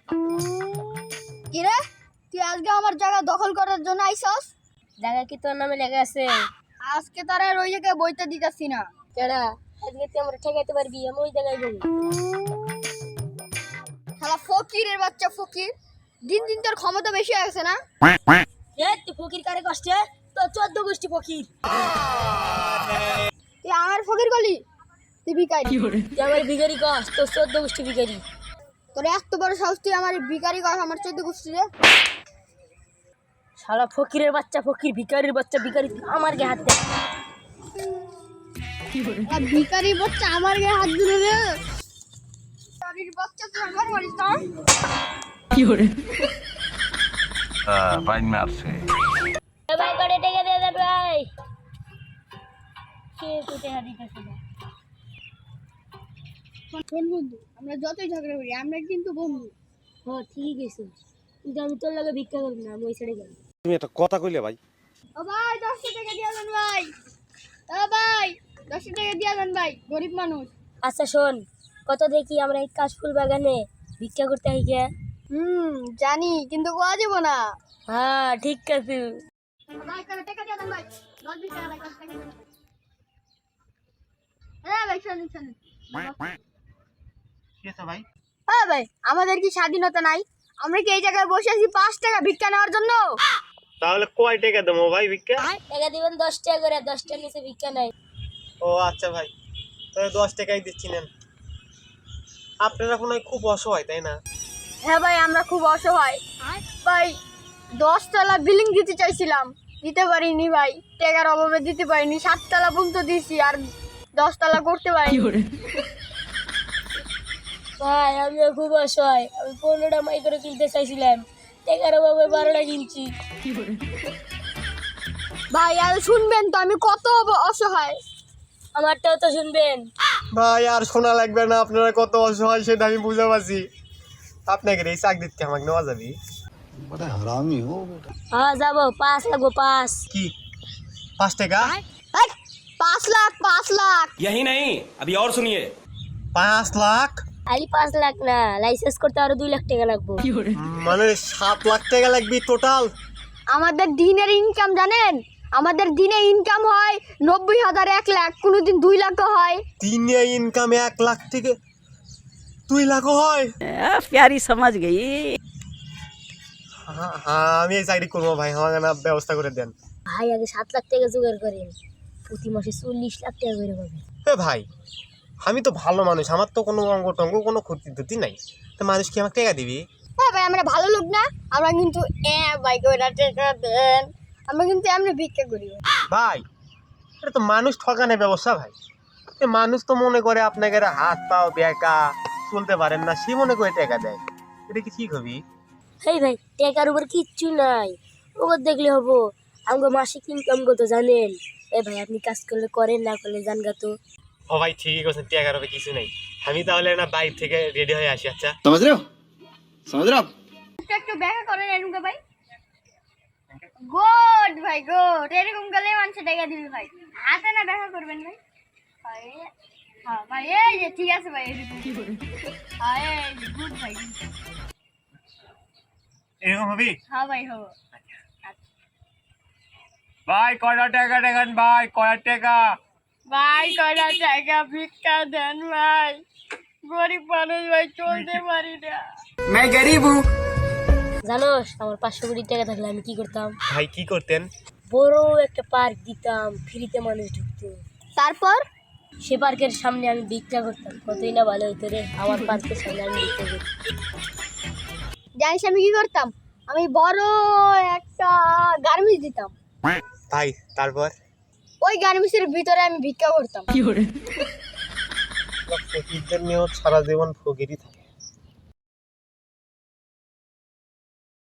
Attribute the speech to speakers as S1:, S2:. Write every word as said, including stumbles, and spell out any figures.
S1: কি রে, তুই আজকে আমার জায়গা দখল করার জন্য আইছস?
S2: জায়গা কি তোর নামে লেখা আছে?
S1: আজকে তার আর ওই জায়গায় বইতে দিতাছি না।
S2: কেডা? আজকে তুই আমরা ঠেকাইতে পারবি? আমি ওই জায়গায় যাবো।
S1: শালা ফকিরের বাচ্চা ফকির, দিন দিন তোর ক্ষমতা বেশি হয়ে গেছে না?
S2: এ তুই ফকির কারে কষ্টে? তোর চোদ্দ গোষ্ঠী ফকির।
S1: তুই আমার ফকির গলি, তুই ভিখারি।
S2: তুই আমার ভিখারি কস, তোর চোদ্দ গোষ্ঠী ভিখারি।
S1: তোর এত বড় সাহস, তুই আমার ভিখারি কর আমার চোদ্দ গোষ্ঠী রে?
S2: শালা ফকিরের বাচ্চা ফকির, ভিখারির বাচ্চা ভিখারি, আমার গায়ে হাত দে।
S1: ভিখারি বাচ্চা আমার গায়ে হাত দিল রে। ভিখারির বাচ্চা তুই আমার মারিস না?
S3: কি করে আহ বাইন মারছে।
S2: এ ভাই করে টেকে দে দে ভাই। কে তো টেকা দিতেছ না?
S1: শোন বন্ধু, আমরা যতই ঝগড়া করি আমরা কিন্তু বন্ধু।
S2: ও ঠিক আছে, কিন্তু আমি তোর লাগে ভিক্ষা করবো না, আমি ওই ছেড়ে গেলাম।
S4: তুমি একটা কথা কইলে ভাই।
S1: ও ভাই দশটা টাকা দিয়া দেন ভাই। ও ভাই দশটা টাকা দিয়া দেন ভাই, গরিব মানুষ।
S2: আচ্ছা শোন, কত দেখি আমরা এই কাশফুল বাগানে ভিক্ষা করতে আই গে।
S1: হুম জানি, কিন্তু কোয়া যাব না।
S2: হ্যাঁ ঠিক আছে।
S1: ভাই করে টাকা দিয়া দেন ভাই, দশ বিশ টাকা ভাই, দশ টাকা দেন। হ্যাঁ ভাই শুনুন শুনুন।
S4: কি আছে ভাই?
S1: হ্যাঁ ভাই, আমাদের কি স্বাধীনতা নাই? আমরা কি এই জায়গায় বসে আছি পাঁচ টাকা ভিক্ষা নেওয়ার জন্য?
S4: তাহলে কয় টাকা দেবো ভাই ভিক্ষা?
S2: টাকা দিবেন দশ টাকা করে, দশ টাকার নিচে ভিক্ষা নাই।
S4: ও আচ্ছা ভাই, তাহলে দশ টাকাই দিচ্ছি নেন। আপনারা কোনো খুব অসহায় তাই না?
S1: হ্যাঁ ভাই, আমরা খুব অসহায় ভাই। দশ তলা বিল্ডিং দিতে চাইছিলাম, দিতে পারিনি ভাই, টাকার অভাবে দিতে পারিনি। সাত তলা পর্যন্ত দিছি, আর দশ তলা করতে পারিনি।
S2: ভাই আমিও খুব অসহায়, আমি পনেরোটা মাই করে কিনতে চাইছিলাম, টাকার অভাবে বারোটা কিনছি।
S1: ভাই আর শুনবেন তো আমি কত অসহায়।
S2: আমারটাও তো শুনবেন।
S4: ভাই আর শোনা লাগবে না, আপনারা কত অসহায় সেটা আমি বুঝতে পারছি। আপনাকে এই চাকরি দিতে আমাকে নেওয়া যাবে?
S3: बड़ा हरामी हो बेटा।
S2: হ্যাঁ যাবো, পাঁচ লাগবো, পাঁচ।
S4: কি পাঁচ টাকা?
S1: এই, পাঁচ লাখ পাঁচ লাখ
S5: यही नहीं, अभी और सुनिए।
S4: পাঁচ লাখ
S2: আলি পাঁচ লাখ না, লাইসেন্স করতে আরো দুই লাখ টাকা লাগবো।
S4: মানে সাত লাখ টাকা লাগবে টোটাল।
S1: আমাদের দিনের ইনকাম জানেন? আমাদের দিনে ইনকাম হয় নব্বই হাজার, এক লাখ, কোনোদিন দুই লাখও হয়।
S4: দিনে ইনকাম এক লাখ থেকে দুই লাখও হয়।
S6: प्यारी समझ गई।
S4: হ্যাঁ হ্যাঁ, আমি এই চাকরি করবো ভাই, আমাকে না ব্যবস্থা করে দেন।
S2: ভাই আগে সাত লাখ টাকা জোগাড় করেন, প্রতি মাসে চল্লিশ লাখ টাকা করে পাবে।
S4: এ ভাই, আমি তো ভালো মানুষ, আমার তো কোনো অঙ্গ টঙ্গ কোনো ক্ষতি টতি নাই, তো মানুষ কি আমাকে টাকা দিবি?
S1: হ্যাঁ ভাই, আমরা ভালো লোক না? আমরা কিন্তু এ ভাই কইরা টাকা দেন, আমরা কিন্তু এমনি ভিক্ষা করি।
S4: ভাই এটা তো মানুষ ঠকানোর ব্যবস্থা ভাই। এ মানুষ তো মনে করে আপনাকে হাত পাও বেকা চলতে পারেন না, সে মনে করে টাকা দেয়, এটা কি ঠিক হবি?
S2: হেই ভাই, টাকার উপর কিচ্ছু নাই, ওপর দেখলে হবো। আমাকে মাসিক ইনকাম কত জানেন? এ ভাই আপনি কাজ করলে করেন, না করলে জান গা তো।
S4: ও ভাই ঠিক আছে, টাকার হবে কিছু নেই, আমি তাহলে না বাইরে থেকে রেডি হয়ে আসি। আচ্ছা
S3: समझ रहे हो समझ रहे हो आप?
S1: একটু একটু দেখা করেন এরকম ভাই। গুড ভাই গুড, এরকম গেলে মানুষ টাকা দিবে ভাই। হাতে না দেখা করবেন ভাই। ভাই হ্যাঁ ভাই, এই যে ঠিক আছে ভাই, এরকম হ্যাঁ এই যে গুড ভাই।
S4: এরকম হবি?
S1: হ্যাঁ ভাই হবো।
S4: ভাই কয়টা টাকা দেখান ভাই, কয়টা টাকা?
S1: ভাই কয়টা টাকা ভিক্ষা দেন ভাই, গরিব মানুষ ভাই, চলতে পারি না।
S5: मैं गरीब हूँ।
S2: জানোস আমার পাঁচশো কোটি টাকা থাকলে আমি কি করতাম?
S4: ভাই কি করতেন?
S2: বড় একটা পার্ক দিতাম, ফ্রিতে মানুষ ঢুকতো।
S1: তারপর
S2: সে পার্কের সামনে আমি ভিক্ষা করতাম, কতই না ভালো হইতো রে। আমার পার্কের সামনে আমি ভিক্ষা করতাম।
S1: জানিস আমি কি করতাম? আমি বড় একটা গার্মেন্টস দিতাম,
S4: ভাই তারপর?
S1: ওই গার্মেন্টসের ভিতরে আমি ভিক্ষা করতাম।
S4: ফকিরদের নিয়েও সারা জীবন ফকিরই থাকে।